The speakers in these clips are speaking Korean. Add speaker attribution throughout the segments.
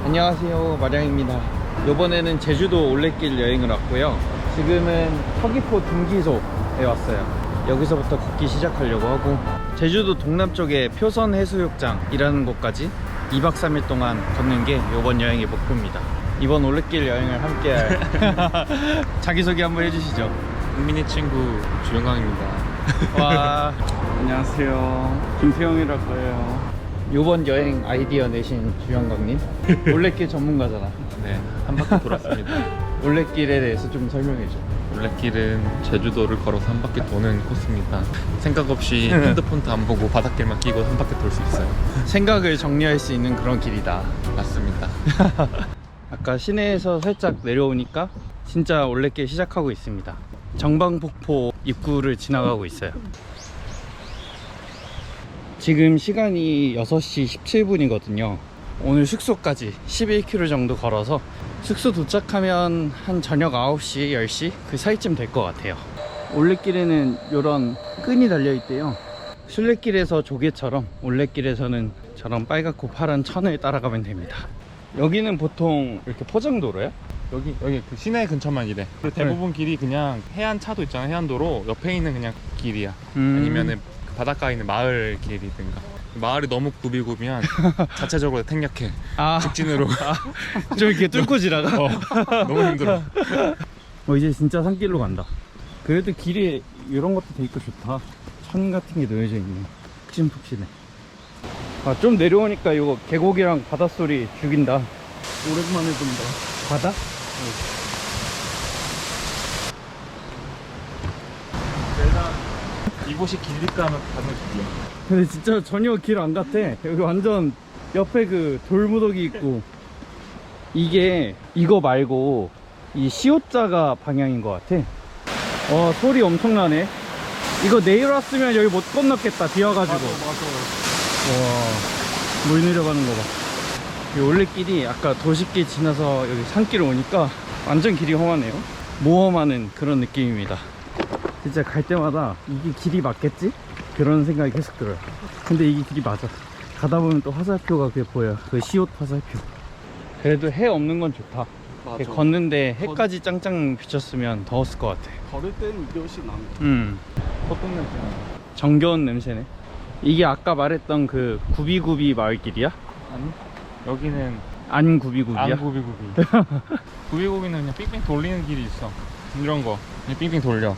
Speaker 1: 안녕하세요, 마량입니다. 이번에는 제주도 올레길 여행을 왔고요. 지금은 서귀포 등기소에 왔어요. 여기서부터 걷기 시작하려고 하고, 제주도 동남쪽에 표선 해수욕장이라는 곳까지 2박 3일 동안 걷는 게 이번 여행의 목표입니다. 이번 올레길 여행을 함께할 자기소개 한번 해주시죠.
Speaker 2: 국민의 친구 주영광입니다.
Speaker 1: 와,
Speaker 3: 안녕하세요. 김태형이라고 해요.
Speaker 1: 이번 여행 아이디어 내신 주영광님, 올레길 전문가잖아.
Speaker 2: 네, 한 바퀴 돌았습니다.
Speaker 1: 올레길에 대해서 좀 설명해줘.
Speaker 2: 올레길은 제주도를 걸어서 한 바퀴 도는 코스입니다. 생각 없이 핸드폰도 안 보고 바닷길만 끼고 한 바퀴 돌 수 있어요.
Speaker 1: 생각을 정리할 수 있는 그런 길이다.
Speaker 2: 맞습니다.
Speaker 1: 아까 시내에서 살짝 내려오니까 진짜 올레길 시작하고 있습니다. 정방폭포 입구를 지나가고 있어요. 지금 시간이 6시 17분이거든요 오늘 숙소까지 11km 정도 걸어서 숙소 도착하면 한 저녁 9시, 10시 그 사이쯤 될 것 같아요. 올레길에는 이런 끈이 달려 있대요. 순례길에서 조개처럼 올레길에서는 저런 빨갛고 파란 천을 따라가면 됩니다. 여기는 보통 이렇게 포장도로야?
Speaker 2: 여기 그 시내 근처만 이래. 대부분 길이 그냥 해안차도 있잖아. 해안도로 옆에 있는 그냥 길이야. 아니면은 그 바닷가에 있는 마을 길이든가. 마을이 너무 굽이굽이면 자체적으로 생략해. 직진으로.
Speaker 1: 좀 이렇게 뚫고 지나가?
Speaker 2: 너무 힘들어.
Speaker 1: 이제 진짜 산길로 간다. 그래도 길이 이런 것도 돼 있고 좋다. 천 같은 게 놓여져 있네. 푹신푹신해. 좀 내려오니까 이거 계곡이랑 바닷소리 죽인다.
Speaker 3: 오랜만에 본다.
Speaker 1: 바다?
Speaker 2: 내가 이곳이 길릴까 하면 가는 길이야.
Speaker 1: 근데 진짜 전혀 길 안 같아. 여기 완전 옆에 그 돌무더기 있고. 이게 이거 말고 이 시옷자가 방향인 것 같아. 소리 엄청나네. 이거 내일 왔으면 여기 못 건넜겠다. 비 와가지고. 와, 물 내려가는 거 봐. 이 올레길이 아까 도시길 지나서 여기 산길 오니까 완전 길이 험하네요. 모험하는 그런 느낌입니다. 진짜 갈 때마다 이게 길이 맞겠지? 그런 생각이 계속 들어요. 근데 이게 길이 맞아. 가다 보면 또 화살표가 그게 보여. 그 시옷 화살표. 그래도 해 없는 건 좋다.
Speaker 3: 맞아.
Speaker 1: 걷는데 해까지 짱짱 비쳤으면 더웠을 것 같아.
Speaker 3: 걸을 때는 이게 훨씬 나은
Speaker 2: 어떤 냄새나?
Speaker 1: 정겨운 냄새네. 이게 아까 말했던 그 구비구비 마을길이야?
Speaker 2: 아니, 여기는
Speaker 1: 안 구비구비야?
Speaker 2: 안 구비구비. 구비구비는 그냥 삥삥 돌리는 길이 있어. 이런 거 그냥 삥삥 돌려.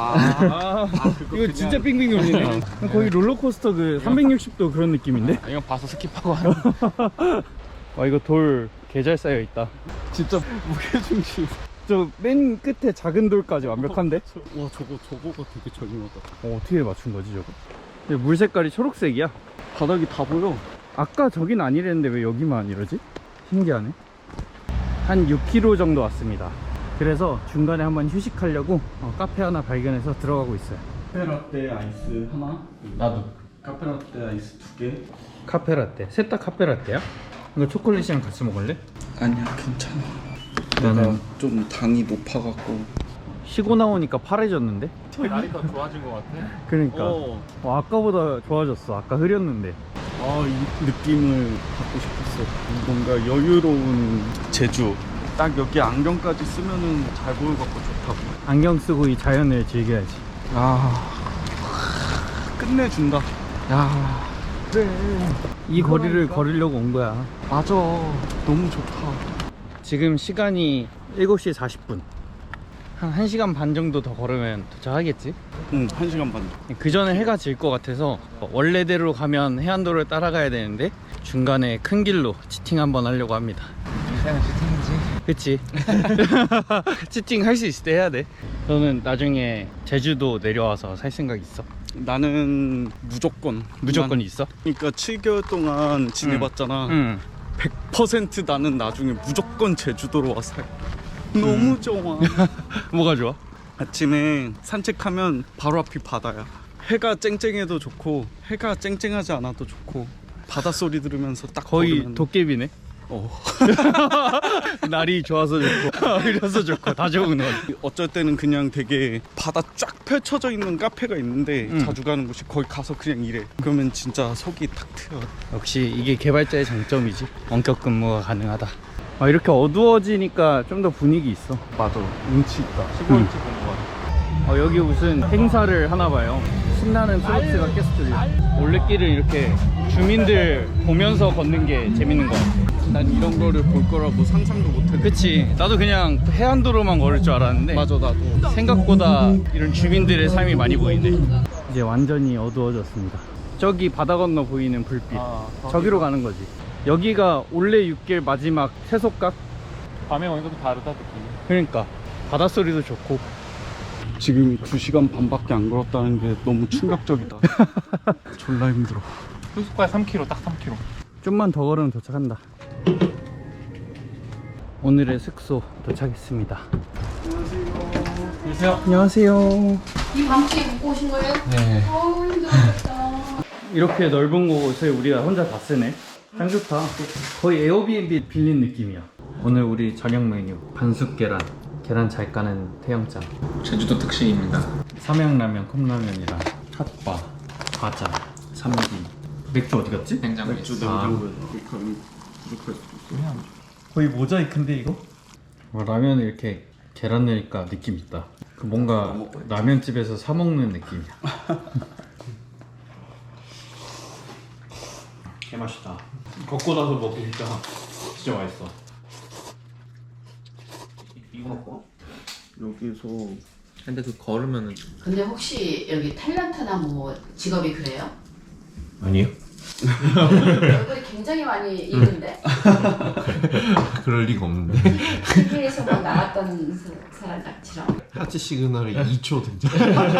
Speaker 1: 이거 진짜 빙빙 돌리네. 거의 롤러코스터 그 360도 그런 느낌인데?
Speaker 2: 이건 봐서 스킵하고 하는.
Speaker 1: 와, 이거 돌 개 잘 쌓여 있다.
Speaker 3: 진짜 무게중심.
Speaker 1: 저 맨 끝에 작은 돌까지 완벽한데?
Speaker 3: 와, 저거가 되게 저렴하다.
Speaker 1: 어떻게 맞춘 거지 저거? 근데 물 색깔이 초록색이야.
Speaker 3: 바닥이 다 보여.
Speaker 1: 아까 저긴 아니랬는데 왜 여기만 이러지? 신기하네. 한 6km 정도 왔습니다. 그래서 중간에 한번 휴식하려고 카페 하나 발견해서 들어가고 있어요.
Speaker 3: 카페라떼 아이스 하나.
Speaker 2: 나도.
Speaker 3: 카페라떼 아이스 2개.
Speaker 1: 카페라떼. 셋 다 카페라떼야? 이거 초콜릿이랑 같이 먹을래?
Speaker 3: 아니야, 괜찮아.
Speaker 1: 나는
Speaker 3: 내가 좀 당이 높아갖고.
Speaker 1: 쉬고 나오니까 파래졌는데?
Speaker 2: 날이 더 좋아진 것 같아.
Speaker 1: 그러니까 아까보다 좋아졌어. 아까 흐렸는데.
Speaker 3: 이 느낌을 받고 싶었어. 뭔가 여유로운 제주. 딱 여기 안경까지 쓰면은 잘 보여갖고 좋다고.
Speaker 1: 안경 쓰고 이 자연을 즐겨야지.
Speaker 3: 끝내준다. 야, 그래.
Speaker 1: 이 거리를 걸으려고 온 거야.
Speaker 3: 맞아. 너무 좋다.
Speaker 1: 지금 시간이 7시 40분. 한 1시간 반 정도 더 걸으면 도착하겠지?
Speaker 3: 응, 1시간 반.
Speaker 1: 그 전에 해가 질 것 같아서 원래대로 가면 해안도로를 따라가야 되는데 중간에 큰 길로 치팅 한번 하려고 합니다.
Speaker 2: 인생은 치팅이지.
Speaker 1: 그치? 치팅 할 수 있을 때 해야 돼. 너는 나중에 제주도 내려와서 살 생각 있어?
Speaker 3: 나는 무조건
Speaker 1: 있어?
Speaker 3: 그러니까 7개월 동안 지내봤잖아.
Speaker 1: 응.
Speaker 3: 100% 나는 나중에 무조건 제주도로 와서 살. 너무 좋아.
Speaker 1: 뭐가 좋아?
Speaker 3: 아침에 산책하면 바로 앞이 바다야. 해가 쨍쨍해도 좋고 해가 쨍쨍하지 않아도 좋고 바닷소리 들으면서 딱
Speaker 1: 거의
Speaker 3: 걸으면
Speaker 1: 도깨비네. 날이 좋아서 좋고 이래서 좋고 다 좋은 것 같아.
Speaker 3: 어쩔 때는 그냥 되게 바다 쫙 펼쳐져 있는 카페가 있는데 자주 가는 곳이 거기 가서 그냥 일해. 그러면 진짜 속이 탁 트여.
Speaker 1: 역시 이게 개발자의 장점이지. 원격 근무가 가능하다. 아, 이렇게 어두워지니까 좀 더 분위기 있어.
Speaker 3: 맞아, 운치 있다.
Speaker 2: 시골집 온것 같아.
Speaker 1: 여기 무슨 행사를 하나 봐요. 신나는 트로트가 계속 들려. 올레길을 이렇게 주민들 보면서 걷는 게 재밌는 것 같아.
Speaker 3: 난 이런 거를 볼 거라고 상상도 못했는데.
Speaker 1: 그치, 나도 그냥 해안도로만 걸을 줄 알았는데
Speaker 3: 맞아, 나도.
Speaker 1: 생각보다 이런 주민들의 삶이 많이 보이네. 이제 완전히 어두워졌습니다. 저기 바다 건너 보이는 불빛, 저기로 가는 거지. 여기가 올레 육길 마지막 세속각.
Speaker 2: 밤에 오니까 또 다르다 느낌이.
Speaker 1: 그러니까 바닷소리도 좋고.
Speaker 3: 지금 2시간 반밖에 안 걸었다는 게 너무 충격적이다. 졸라 힘들어.
Speaker 2: 숙소까지 3km, 딱 3km.
Speaker 1: 좀만 더 걸으면 도착한다. 오늘의 숙소 도착했습니다.
Speaker 2: 안녕하세요.
Speaker 1: 안녕하세요.
Speaker 4: 이 밤중에 묵고 오신 거예요?
Speaker 1: 네.
Speaker 4: 어우 힘들었겠다.
Speaker 1: 이렇게 넓은 곳을 우리가 혼자 다 쓰네. 참 좋다. 거의 에어비앤비 빌린 느낌이야. 오늘 우리 저녁 메뉴 반숙 계란, 계란 잘 까는 태영장,
Speaker 2: 제주도 특식입니다.
Speaker 1: 삼양라면, 컵라면이랑 핫바, 과자, 삼기. 맥주 어디 갔지?
Speaker 2: 냉장고에
Speaker 3: 맥주
Speaker 2: 있어.
Speaker 3: 냉장고에 그렇게 부족할 수도 있어.
Speaker 1: 거의 모자이크인데 이거? 라면 이렇게 계란 넣으니까 느낌 있다. 그 뭔가 라면집에서 사 먹는 느낌이야. 개맛있다. 걷고 나서 먹으니까 진짜 맛있어.
Speaker 2: 이거 먹고?
Speaker 3: 여기서
Speaker 2: 근데 그 걸으면은
Speaker 4: 근데 혹시 여기 탤런트나 뭐 직업이 그래요?
Speaker 5: 아니요.
Speaker 4: 얼굴이 굉장히 많이 있는데
Speaker 5: 그럴 리가 없는데.
Speaker 4: TV에서 뭐 나왔던 사람처럼.
Speaker 5: 하트 시그널이 2초 등장.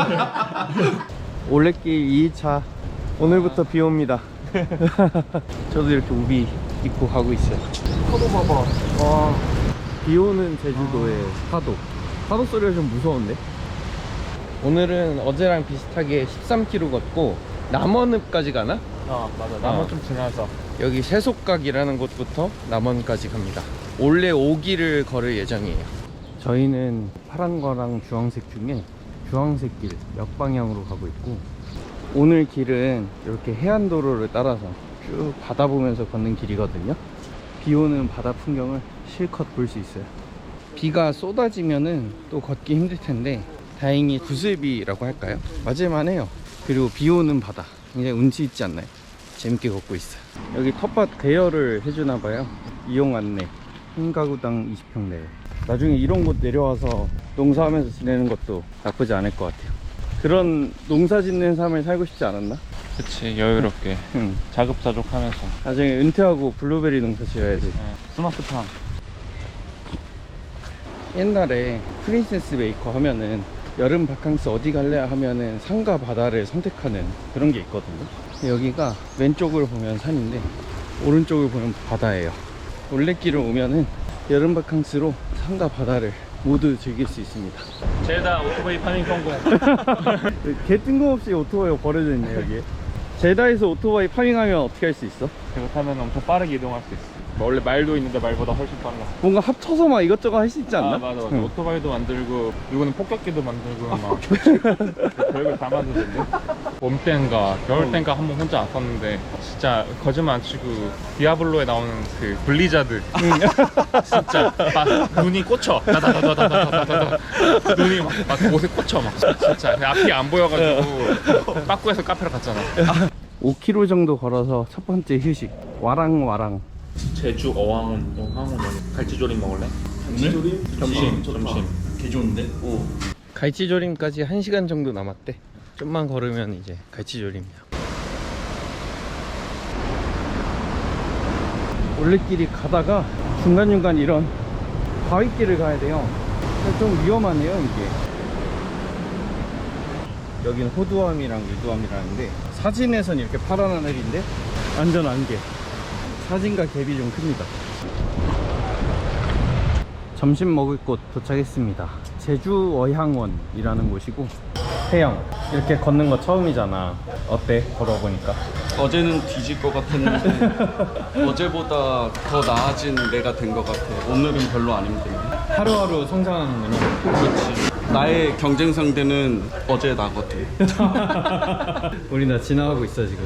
Speaker 1: 올레길 2차. 오늘부터 비 옵니다. 저도 이렇게 우비 입고 가고 있어요. 파도 봐봐. 와, 비 오는 제주도의 파도. 파도 소리가 좀 무서운데? 오늘은 어제랑 비슷하게 13km 걷고 남원읍까지 가나?
Speaker 2: 맞아. 나무 좀 지나서.
Speaker 1: 여기 세속각이라는 곳부터 남원까지 갑니다. 원래 5길을 걸을 예정이에요. 저희는 파란 거랑 주황색 중에 주황색 길 역방향으로 가고 있고, 오늘 길은 이렇게 해안도로를 따라서 쭉 바다 보면서 걷는 길이거든요. 비 오는 바다 풍경을 실컷 볼 수 있어요. 비가 쏟아지면은 또 걷기 힘들 텐데 다행히 구슬비라고 할까요? 맞을만 해요. 그리고 비 오는 바다 굉장히 운치 있지 않나요? 재밌게 걷고 있어요. 여기 텃밭 대여를 해주나 봐요. 이용 안내, 한 가구당 20평 내외. 나중에 이런 곳 내려와서 농사하면서 지내는 것도 나쁘지 않을 것 같아요. 그런 농사 짓는 삶을 살고 싶지 않았나?
Speaker 2: 그치, 여유롭게.
Speaker 1: 응.
Speaker 2: 자급자족하면서.
Speaker 1: 나중에 은퇴하고 블루베리 농사 지어야지.
Speaker 2: 스마트팜.
Speaker 1: 옛날에 프린세스 메이커 하면은 여름 바캉스 어디 갈래 하면은 산과 바다를 선택하는 그런 게 있거든요. 근데 여기가 왼쪽을 보면 산인데 오른쪽을 보면 바다예요. 올레길을 오면은 여름 바캉스로 산과 바다를 모두 즐길 수 있습니다.
Speaker 2: 제다 오토바이 파밍 성공.
Speaker 1: 개 뜬금없이 오토바이가 버려져 있네 여기에. 제다에서 오토바이 파밍하면 어떻게 할 수 있어?
Speaker 2: 그거 타면 엄청 빠르게 이동할 수 있어. 원래 말도 있는데 말보다 훨씬 빨라.
Speaker 1: 뭔가 합쳐서 막 이것저것 할 수 있지 않나?
Speaker 2: 아 맞아.
Speaker 1: 응.
Speaker 2: 오토바이도 만들고 이거는 폭격기도 만들고 막 별걸 다 만드는데. 봄 땐가 겨울 땐가 한 번 혼자 왔었는데 진짜 거짓말 안 치고 디아블로에 나오는 그 블리자드 진짜 막 눈이 꽂혀. 다다다다다다다다 눈이 막 옷에 꽂혀 막 진짜 앞이 안 보여가지고 빠꾸에서 카페로 갔잖아.
Speaker 1: 5km 정도 걸어서 첫 번째 휴식 와랑와랑.
Speaker 2: 제주 어항원 갈치조림 먹을래? 점심.
Speaker 3: 개 좋은데?
Speaker 1: 갈치조림까지 1시간 정도 남았대. 좀만 걸으면 이제 갈치조림이야. 올레길이 가다가 중간중간 이런 바위길을 가야 돼요. 좀 위험하네요 이게. 여긴 호두암이랑 유두암이라는데 사진에선 이렇게 파란 하늘인데 완전 안개. 사진과 갭이 좀 큽니다. 점심 먹을 곳 도착했습니다. 제주 어향원이라는 곳이고, 태영 이렇게 걷는 거 처음이잖아. 어때? 걸어보니까
Speaker 3: 어제는 뒤질 것 같았는데 어제보다 더 나아진 내가 된 것 같아. 오늘은 별로 안 힘들어.
Speaker 1: 하루하루 성장하는구나.
Speaker 3: 그렇지. 나의 경쟁 상대는 어제 나거든.
Speaker 1: 우리 나 지나가고 있어 지금.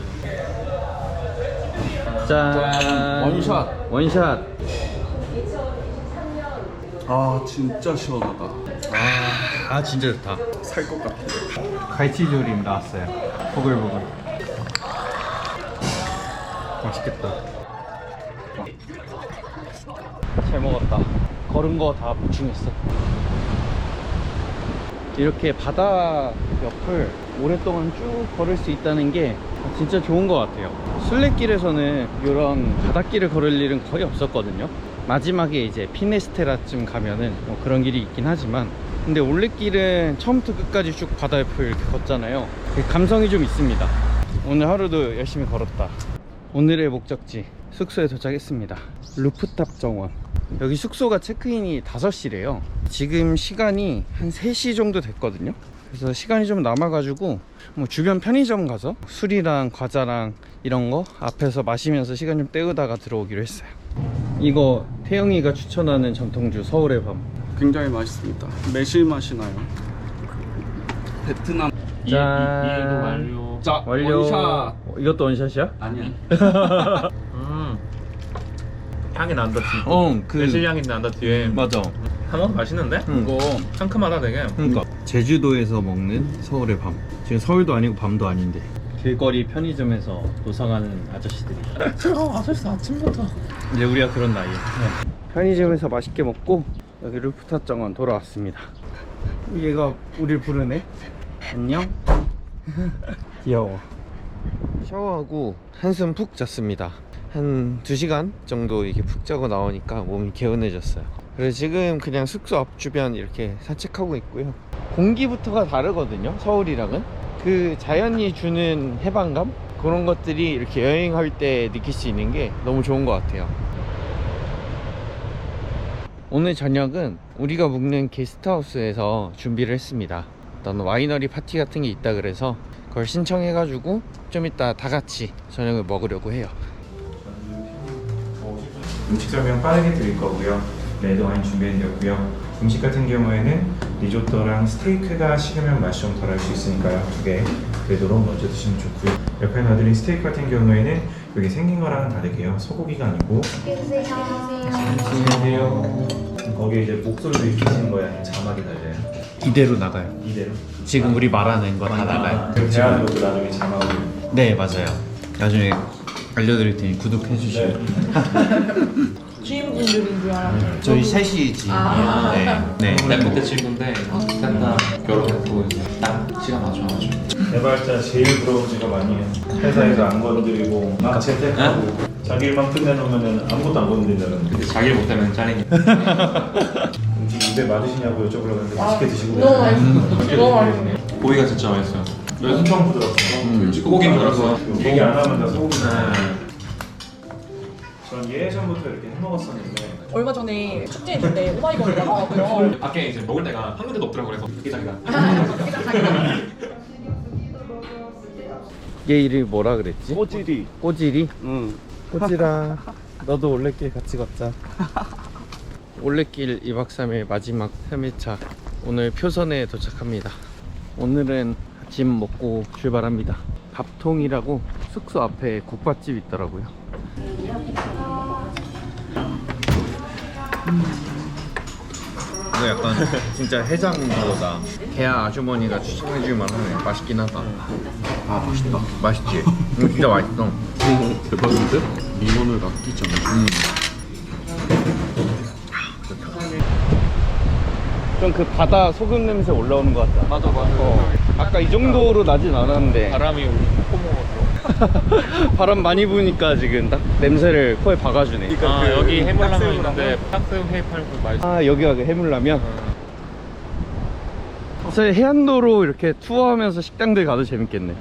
Speaker 1: 짠.
Speaker 3: 원샷.
Speaker 1: 원샷.
Speaker 3: 아 진짜 시원하다.
Speaker 1: 아 진짜 좋다.
Speaker 3: 살 것 같아.
Speaker 1: 갈치 조림 나왔어요. 보글보글. 맛있겠다. 잘 먹었다. 걸은 거 다 보충했어. 이렇게 바다 옆을 오랫동안 쭉 걸을 수 있다는 게 진짜 좋은 것 같아요. 순례길에서는 이런 바닷길을 걸을 일은 거의 없었거든요. 마지막에 이제 피네스테라쯤 가면은 뭐 그런 길이 있긴 하지만, 근데 올레길은 처음부터 끝까지 쭉 바다 옆을 이렇게 걷잖아요. 감성이 좀 있습니다. 오늘 하루도 열심히 걸었다. 오늘의 목적지 숙소에 도착했습니다. 루프탑 정원. 여기 숙소가 체크인이 5시래요 지금 시간이 한 3시 정도 됐거든요. 그래서 시간이 좀 남아가지고 뭐 주변 편의점 가서 술이랑 과자랑 이런 거 앞에서 마시면서 시간 좀 때우다가 들어오기로 했어요. 이거 태영이가 추천하는 전통주 서울의 밤.
Speaker 3: 굉장히 맛있습니다. 매실 맛이 나요. 베트남.
Speaker 1: 짠.
Speaker 2: 이해도 완료.
Speaker 3: 자,
Speaker 1: 완료.
Speaker 3: 원샷.
Speaker 1: 이것도 원샷이야?
Speaker 3: 아니야.
Speaker 2: 향이 난다 뒤.
Speaker 1: 그
Speaker 2: 매실 향이 난다 뒤에.
Speaker 1: 맞아.
Speaker 2: 한번 맛있는데? 이거 상큼하다 되게.
Speaker 1: 그러니까 제주도에서 먹는 서울의 밤. 지금 서울도 아니고 밤도 아닌데 길거리 편의점에서 노상하는 아저씨들이.
Speaker 2: 아저씨 아침부터.
Speaker 1: 이제 우리가 그런 나이에. 편의점에서 맛있게 먹고 여기 루프탑 정원 돌아왔습니다. 얘가 우릴 부르네. 안녕. 귀여워. 샤워하고 한숨 푹 잤습니다. 한 2시간 정도 이렇게 푹 자고 나오니까 몸이 개운해졌어요. 그래서 지금 그냥 숙소 앞 주변 이렇게 산책하고 있고요. 공기부터가 다르거든요, 서울이랑은. 그 자연이 주는 해방감? 그런 것들이 이렇게 여행할 때 느낄 수 있는 게 너무 좋은 것 같아요. 오늘 저녁은 우리가 묵는 게스트하우스에서 준비를 했습니다. 어떤 와이너리 파티 같은 게 있다 그래서 그걸 신청해가지고 좀 이따 다 같이 저녁을 먹으려고 해요.
Speaker 6: 음식 설명 빠르게 드릴 거고요. 레드 와인 준비해드렸고요. 음식 같은 경우에는 리조또랑 스테이크가 식으면 맛이 좀 덜할 수 있으니까요. 2개 그래도 먼저 드시면 좋고요. 옆에 놔드린 스테이크 같은 경우에는 여기 생긴 거랑은 다르게요. 소고기가 아니고. 안녕하세요. 거기에 이제 목소리도 익히시는 거예요? 아니면 자막이 달려요?
Speaker 1: 이대로 나가요.
Speaker 6: 이대로?
Speaker 1: 지금 우리 말하는 거 다 나가요.
Speaker 6: 그럼 대화로도 나중에 자막으로.
Speaker 1: 네, 맞아요. 나중에 알려드릴 테니 구독해 주시면.
Speaker 7: 주인분들인 줄 알았어요.
Speaker 1: 저희 셋이 지인이에요. 네.
Speaker 2: 내 그때 친구인데 셋다 결혼했고 이제 딱 시간 맞춰가지고.
Speaker 6: 개발자 제일 부러운 직업 아니에요. 회사에서 안 건드리고 막 재택하고 자기 일만 끝내놓으면 아무것도 안 건드린다는.
Speaker 2: 근데 자기 못하면 짜리니까.
Speaker 6: 음식 입에 맞으시냐고 여쭤보려고 했는데 맛있게 드시고
Speaker 7: 너무 맛있어. 너무 맛있어.
Speaker 2: 고기가 진짜 맛있어요.
Speaker 6: 엄청 부드럽고
Speaker 2: 고기인 줄 알았어.
Speaker 6: 얘기 안 하면 다 소고기나. 전 예전부터 이렇게 해먹었었는데
Speaker 7: 얼마 전에 축제 있는데 오마이걸 나가고요.
Speaker 2: 밖에 이제 먹을 데가 한 군데도 없더라고 그래서 게장이다.
Speaker 1: 얘 이름이 뭐라 그랬지?
Speaker 3: 꼬지리.
Speaker 1: 꼬지리?
Speaker 3: 응.
Speaker 1: 꼬지라. 너도 올레길 같이 걷자. 올레길 2박 3일 마지막 3일차. 오늘 표선에 도착합니다. 오늘은 아침 먹고 출발합니다. 밥통이라고 숙소 앞에 국밥집 있더라고요. 이거 약간 진짜 해장보다 개야 아주머니가 추천해줄만 하네. 맛있긴 하다. 아 맛있다. 맛있지? 이거 진짜 맛있어.
Speaker 3: 대박인데? 인원을 아끼잖아.
Speaker 1: 좀 그 바다 소금 냄새 올라오는 것 같다.
Speaker 3: 맞아 맞아.
Speaker 1: 아까 이 정도로 나진 않았는데
Speaker 2: 바람이 코모로.
Speaker 1: 바람 많이 부니까 지금 딱 냄새를 코에 박아주네.
Speaker 2: 아 여기 해물라면 있는데 탁새우 회 팔고 맛있어.
Speaker 1: 아 여기가 그 해물라면? 사실 해안도로 이렇게 투어하면서 식당들 가도 재밌겠네.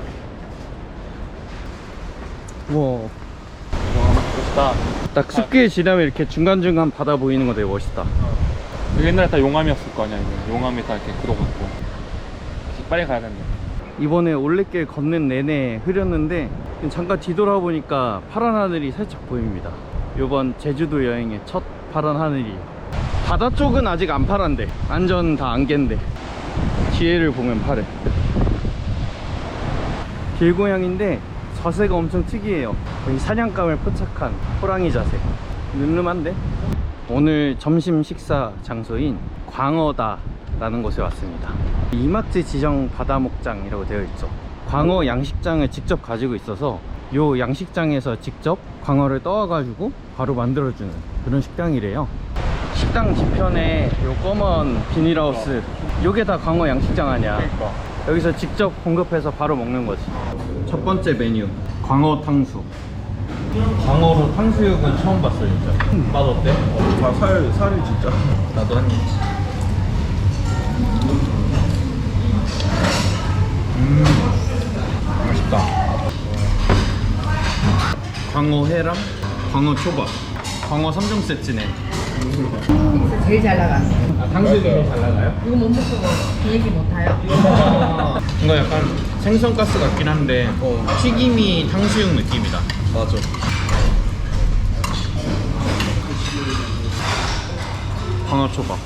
Speaker 1: 와
Speaker 2: 멋있다.
Speaker 1: 딱 숲길 지나면 이렇게 중간중간 바다 보이는 거 되게 멋있다.
Speaker 2: 옛날에 다 용암이었을 거 아니야. 이거. 용암이 다 이렇게 굳어갖고 빨리 가야 된다.
Speaker 1: 이번에 올레길 걷는 내내 흐렸는데 잠깐 뒤돌아보니까 파란 하늘이 살짝 보입니다. 이번 제주도 여행의 첫 파란 하늘이에요. 바다 쪽은 아직 안 파란데 완전 다 안개인데 뒤에를 보면 파래. 길고양인데 자세가 엄청 특이해요. 거의 사냥감을 포착한 호랑이 자세. 늠름한데? 오늘 점심 식사 장소인 광어다 라는 곳에 왔습니다. 이마트 지정 바다 목장이라고 되어 있죠. 광어 양식장을 직접 가지고 있어서 요 양식장에서 직접 광어를 떠와가지고 바로 만들어주는 그런 식당이래요. 식당 뒤편에 요 검은 비닐하우스, 요게 다 광어 양식장 아니야. 여기서 직접 공급해서 바로 먹는 거지. 첫 번째 메뉴, 광어 탕수. 광어로 탕수육은 처음 봤어 진짜. 맛 어때?
Speaker 3: 살이 진짜.
Speaker 1: 나도 한 입. 맛있다. 광어 회랑 광어 초밥, 광어 3종 세트네.
Speaker 4: 여기서 제일 잘 나가는 거.
Speaker 1: 아, 탕수육이 제일 잘 나가요?
Speaker 4: 이거 못 먹고 비행기 못 타요.
Speaker 1: 이거 약간 생선가스 같긴 한데 튀김이 탕수육 느낌이다.
Speaker 3: 맞아.
Speaker 1: 광어 초밥.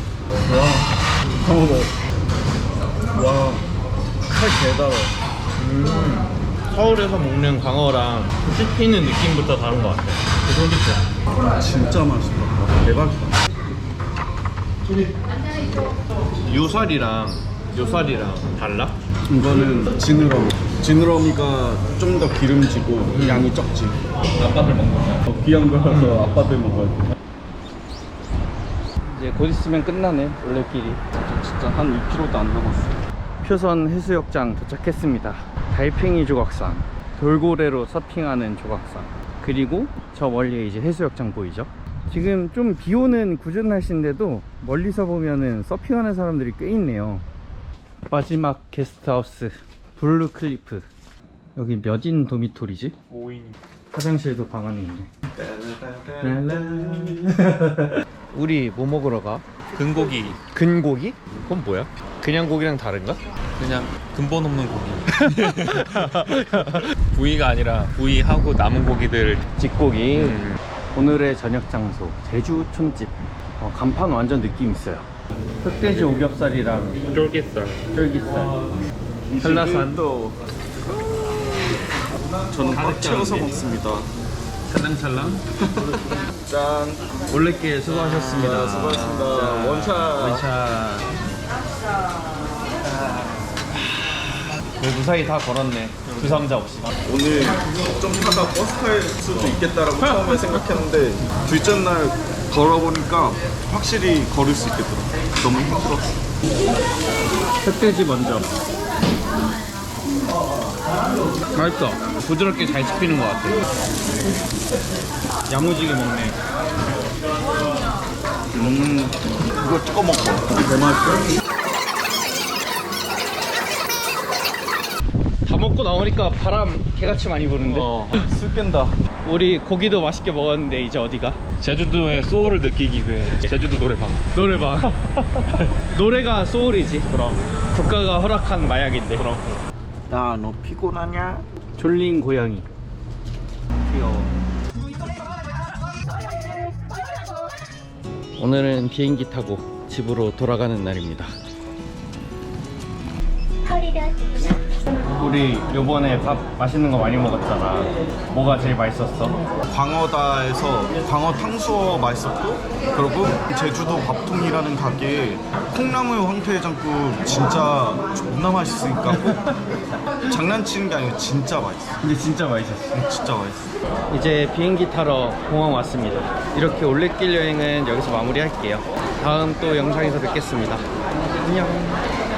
Speaker 3: 와, 칼 개달아.
Speaker 1: 서울에서 먹는 광어랑 씹히는 느낌부터 다른 것 같아. 쫄깃해.
Speaker 3: 진짜 맛있다. 대박이다.
Speaker 1: 요살이랑 달라?
Speaker 3: 이거는 지느러미가 좀 더 기름지고 양이 적지.
Speaker 1: 아빠들 먹는 거야.
Speaker 3: 귀한 거라서 아빠들 먹어야 돼.
Speaker 1: 이제 곧 있으면 끝나네 올레길이.
Speaker 3: 진짜 한 2km도 안 남았어.
Speaker 1: 표선 해수욕장 도착했습니다. 달팽이 조각상, 돌고래로 서핑하는 조각상, 그리고 저 멀리에 이제 해수욕장 보이죠? 지금 좀 비오는 궂은 날씨인데도 멀리서 보면은 서핑하는 사람들이 꽤 있네요. 마지막 게스트하우스 블루클리프. 여기 몇인 도미토리지?
Speaker 2: 5인.
Speaker 1: 화장실도 방 안에 있네. 우리 뭐 먹으러 가?
Speaker 2: 근고기.
Speaker 1: 근고기? 그건 뭐야? 그냥 고기랑 다른가?
Speaker 2: 그냥 근본 없는 고기. 부위가 아니라 부위하고 남은 고기들.
Speaker 1: 집고기. 오늘의 저녁 장소 제주 촌집. 간판 완전 느낌 있어요. 흑돼지 오겹살이랑
Speaker 2: 쫄깃살.
Speaker 1: 쫄깃살, 한라산,
Speaker 3: 저는 꽉 채워서 먹습니다.
Speaker 1: 찰랑찰랑. 짠. 올레길 수고하셨습니다.
Speaker 3: 수고하셨습니다.
Speaker 1: 자,
Speaker 3: 원샷.
Speaker 1: 원샷. 무사히 다 걸었네. 부상자 없이.
Speaker 3: 오늘 좀 타다 버스 탈 수도 있겠다라고 처음에 생각했는데 둘째 날 걸어보니까 확실히 걸을 수 있겠더라. 너무 힘들었어.
Speaker 1: 흑돼지 먼저. 맛있어. 부드럽게 잘 씹히는 것 같아. 야무지게 먹네.
Speaker 3: 이거 찍어 먹고. 대맛이야.
Speaker 1: 다 먹고 나오니까 바람 개같이 많이 부는데.
Speaker 3: 술 깬다.
Speaker 1: 우리 고기도 맛있게 먹었는데 이제 어디가?
Speaker 2: 제주도의 소울을 느끼기 위해 제주도 노래방.
Speaker 1: 노래방. 노래가 소울이지. 그럼 국가가 허락한 마약인데. 그럼.
Speaker 3: 야, 너 피곤하냐?
Speaker 1: 졸린 고양이. 귀여워. 오늘은 비행기 타고 집으로 돌아가는 날입니다. 우리 요번에 밥 맛있는 거 많이 먹었잖아. 뭐가 제일 맛있었어?
Speaker 3: 광어다에서 광어 탕수어 맛있었고, 그리고 제주도 밥통이라는 가게에 콩나물 황태해장국 진짜 존나 맛있으니까 꼭 장난치는 게 아니고 진짜 맛있어.
Speaker 1: 근데 진짜 맛있었어.
Speaker 3: 진짜 맛있어.
Speaker 1: 이제 비행기 타러 공항 왔습니다. 이렇게 올레길 여행은 여기서 마무리할게요. 다음 또 영상에서 뵙겠습니다. 안녕.